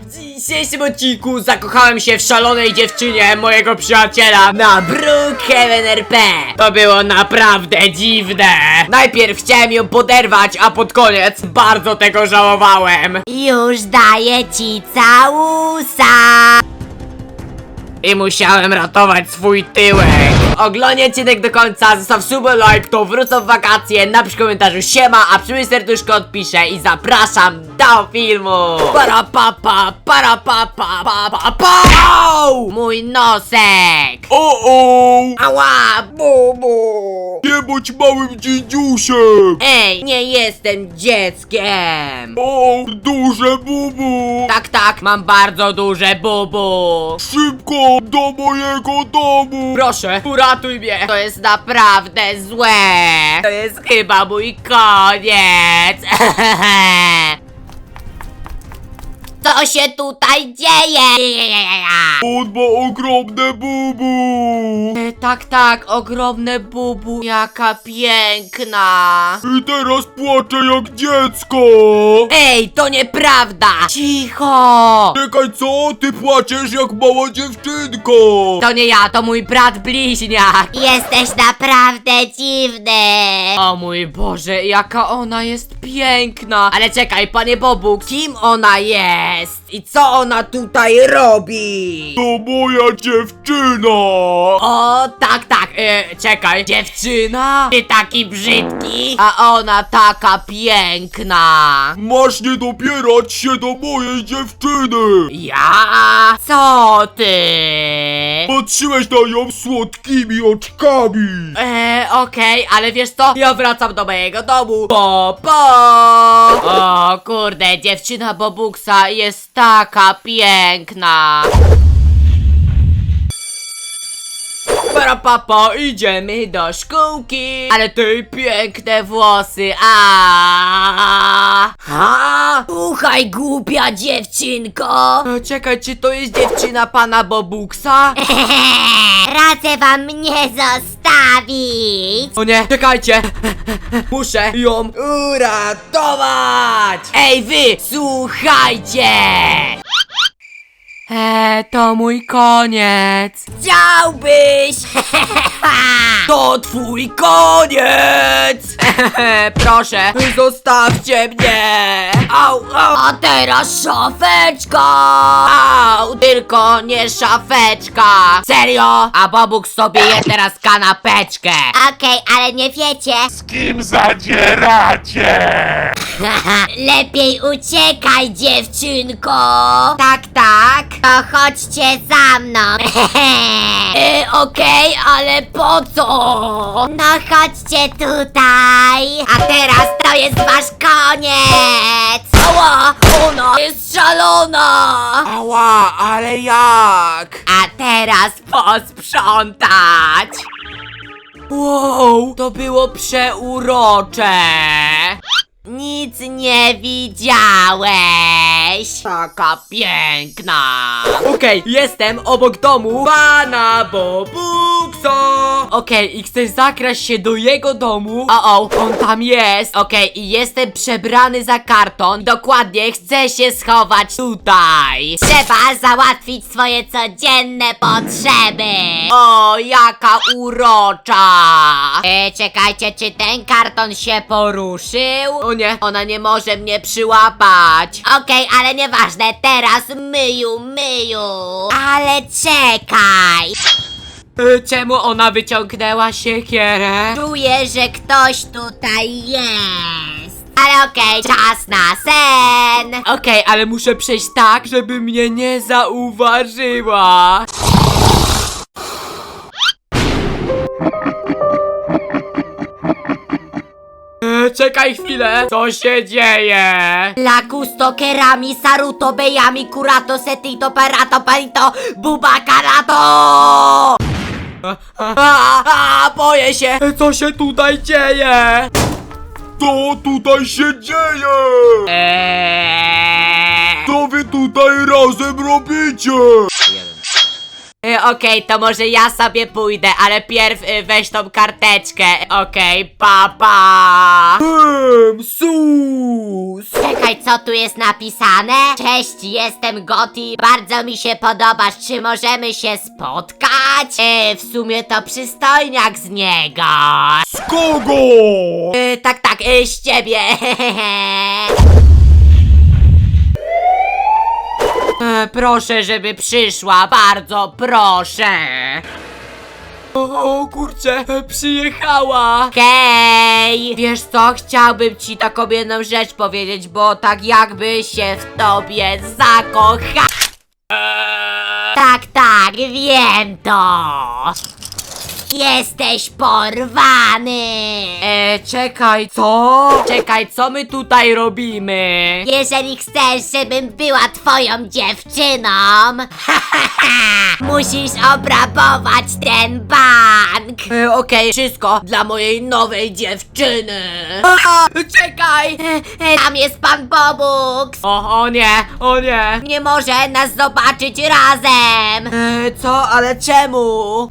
W dzisiejszym odcinku zakochałem się w szalonej dziewczynie mojego przyjaciela na Brookhaven RP. To było naprawdę dziwne. Najpierw chciałem ją poderwać, a pod koniec bardzo tego żałowałem. Już daję ci całusa. I musiałem ratować swój tyłek. Oglądaj odcinek do końca, zostaw suba, like, to wrócę w wakacje, napisz w komentarzu siema, a przy mnie serduszko odpiszę i zapraszam do filmu. Para pa pa, para pa pa pa pa pa. Au! Mój nosek. O! Ała, bubu. Nie bądź małym dzidziusiem! Ej, nie jestem dzieckiem. O! Duże bubu! Tak, mam bardzo duże bubu. Szybko do mojego domu! Proszę, uratuj mnie. To jest naprawdę złe. To jest chyba mój koniec. Co się tutaj dzieje? On ma ogromne bubu! Tak, ogromne bubu. Jaka piękna. I teraz płacze jak dziecko! Ej, to nieprawda. Cicho. Czekaj, co? Ty płaczesz jak mała dziewczynko! To nie ja, to mój brat bliźniak. Jesteś naprawdę dziwny. O mój Boże, jaka ona jest piękna. Ale czekaj, panie Bobu, kim ona jest? I co ona tutaj robi? To moja dziewczyna! O, tak, czekaj. Dziewczyna? Ty taki brzydki, a ona taka piękna. Masz nie dopierać się do mojej dziewczyny! Ja? Co ty? Patrzyłeś na nią słodkimi oczkami! Okej, ale wiesz co? Ja wracam do mojego domu. Po. O kurde, dziewczyna Bobuksa jest taka piękna. Para papo, idziemy do szkółki. Ale ty piękne włosy, ha? Słuchaj, głupia dziewczynko. Czekaj, czy to jest dziewczyna pana Bobuksa? Radzę wam mnie zostawić. O nie, czekajcie. Muszę ją uratować. Ej wy, słuchajcie. To mój koniec. Chciałbyś. To twój koniec. Proszę, zostawcie mnie. Au. A teraz szafeczka. Au, tylko nie szafeczka. Serio? A Bobuk sobie je teraz kanapeczkę. Okej, ale nie wiecie. Z kim zadzieracie? Lepiej uciekaj, dziewczynko. Tak. To chodźcie za mną. Okej, ale po co? No chodźcie tutaj. A teraz to jest wasz koniec. Ała, ona jest szalona. Ała, ale jak? A teraz Posprzątać. Wow, to było przeurocze. nic nie widziałeś. Taka piękna. Okej, jestem obok domu pana Bobuksa. Okej, i chcę zakraść się do jego domu. O, on tam jest. Okej, i jestem przebrany za karton. Dokładnie, chcę się schować tutaj. Trzeba załatwić swoje codzienne potrzeby. O, jaka urocza. Czekajcie, czy ten karton się poruszył? O nie, ona nie może mnie przyłapać. Okej, ale nieważne, teraz myju. Ale czekaj. Czemu ona wyciągnęła siekierę? Czuję, że ktoś tutaj jest. Ale okej, czas na sen. Okej, ale muszę przejść tak, żeby mnie nie zauważyła. Czekaj chwilę, co się dzieje? Lakusto, kerami, saruto, bejami, kurato, setito, parato, palito, bubakarato. Boję się, co się tutaj dzieje? Co tutaj się dzieje? Co wy tutaj razem robicie? Okej, to może ja sobie pójdę, ale pierw weź tą karteczkę. Okej, pa. Sus! Czekaj, co tu jest napisane? Cześć, jestem Gotti. Bardzo mi się podobasz. Czy możemy się spotkać? W sumie to przystojniak z niego. Z kogo? Tak, z ciebie. Proszę, żeby przyszła, bardzo proszę. O kurczę, przyjechała. Hej! Wiesz co, chciałbym ci taką jedną rzecz powiedzieć, bo tak jakby się w tobie zakocha. Tak, wiem to. Jesteś porwany. Czekaj, co? Czekaj, co my tutaj robimy? Jeżeli chcesz, żebym była twoją dziewczyną, musisz obrabować ten bank. Okej, wszystko dla mojej nowej dziewczyny. Czekaj! Tam jest pan Bobux. O nie. Nie może nas zobaczyć razem. Co? Ale czemu?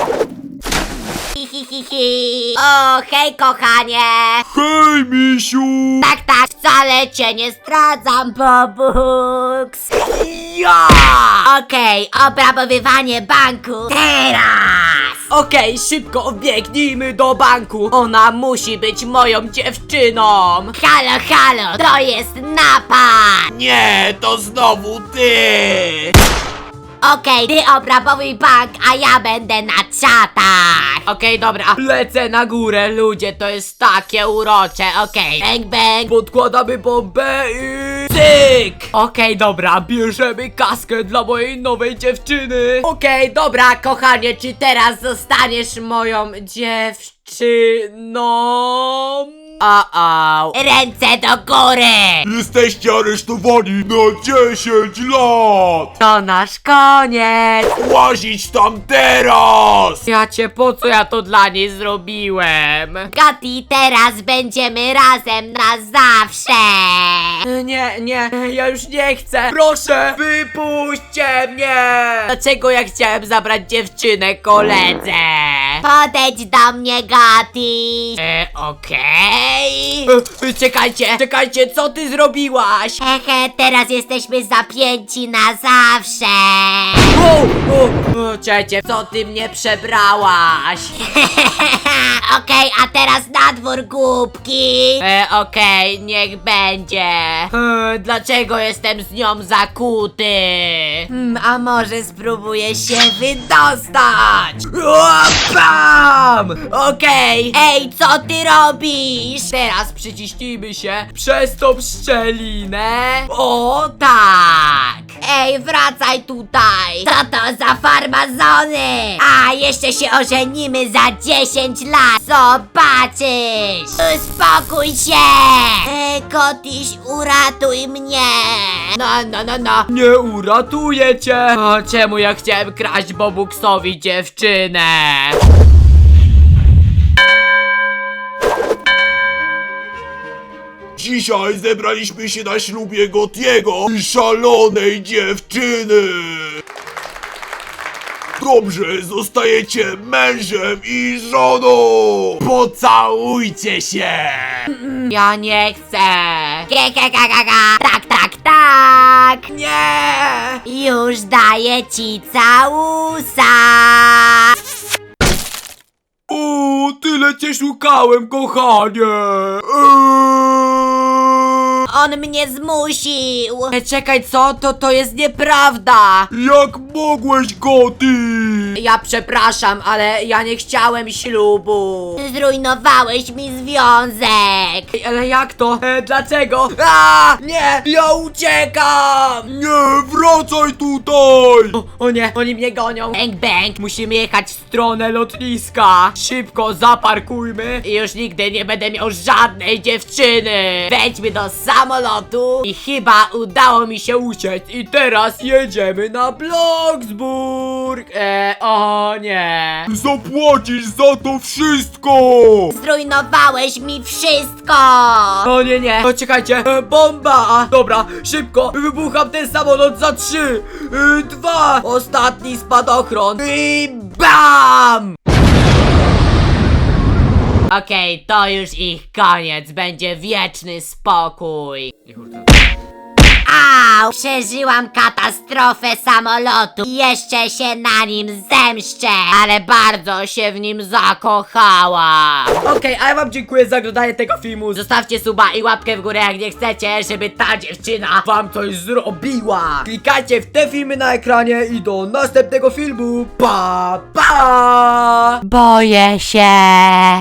O, hej kochanie. Hej, misiu! Tak, wcale cię nie zdradzam, Bobux. Ja! Okej, obrabowywanie banku teraz. Okej, szybko biegnijmy do banku. Ona musi być moją dziewczyną. Halo, to jest napad. Nie, to znowu ty! Okej, ty obrabowuj bank, a ja będę na czatach. Okej, dobra, lecę na górę, ludzie, to jest takie urocze. Okej, Bang. podkładamy bombę i cyk! Okej, dobra, bierzemy kaskę dla mojej nowej dziewczyny. Okej, dobra, kochanie, czy teraz zostaniesz moją dziewczyną? Ręce do góry. Jesteście aresztowani na 10 lat! To nasz koniec. Łazić tam teraz! Po co ja to dla niej zrobiłem? Gotti, teraz będziemy razem na zawsze. Nie, ja już nie chcę. Proszę, wypuśćcie mnie. Dlaczego ja chciałem zabrać dziewczynę koledze? Podejdź do mnie, Gotti. Okej. Czekajcie, co ty zrobiłaś? Hehe, teraz jesteśmy zapięci na zawsze. Czekajcie, co ty mnie przebrałaś? Okej, a teraz na dwór, głupki. Okej, niech będzie. Dlaczego jestem z nią zakuty? A może spróbuję się wydostać? Bam! Okej. Ej, co ty robisz? Teraz przyciśnijmy się przez tą szczelinę. O tak! Ej, wracaj tutaj. Co to za farmazony? A, jeszcze się ożenimy za 10 lat. Zobaczysz. Uspokój się. Kotiś, uratuj mnie. No. Nie uratuję cię. Czemu ja chciałem kraść Bobuxowi dziewczynę? Dzisiaj zebraliśmy się na ślubie Gottiego i szalonej dziewczyny! Dobrze, zostajecie mężem i żoną! Pocałujcie się! Ja nie chcę. Tak. Nie! Już daję ci całusa. O, tyle cię szukałem, kochanie! On mnie zmusił. Czekaj, co? To jest nieprawda. Jak mogłeś, Gotti? Ja przepraszam, ale ja nie chciałem ślubu. Zrujnowałeś mi związek. Ale jak to? Dlaczego? Nie! Ja uciekam! Nie, wracaj tutaj! O nie, oni mnie gonią. Bang. Musimy jechać w stronę lotniska. Szybko zaparkujmy i już nigdy nie będę miał żadnej dziewczyny. Wejdźmy do samolotu i chyba udało mi się uciec. I teraz jedziemy na Bloxburg. O nie. Zapłacisz za to wszystko! Zrujnowałeś mi wszystko. O nie. O, czekajcie, bomba. Dobra, szybko, wybucham ten samolot za 3, 2. Ostatni spadochron i BAM! Okej, to już ich koniec. Będzie wieczny spokój. Au! Przeżyłam katastrofę samolotu i jeszcze się na nim zemszczę! Ale bardzo się w nim zakochałam. Okej, a ja wam dziękuję za oglądanie tego filmu. Zostawcie suba i łapkę w górę, jak nie chcecie, żeby ta dziewczyna wam coś zrobiła. Klikajcie w te filmy na ekranie i do następnego filmu. Pa, pa! Boję się!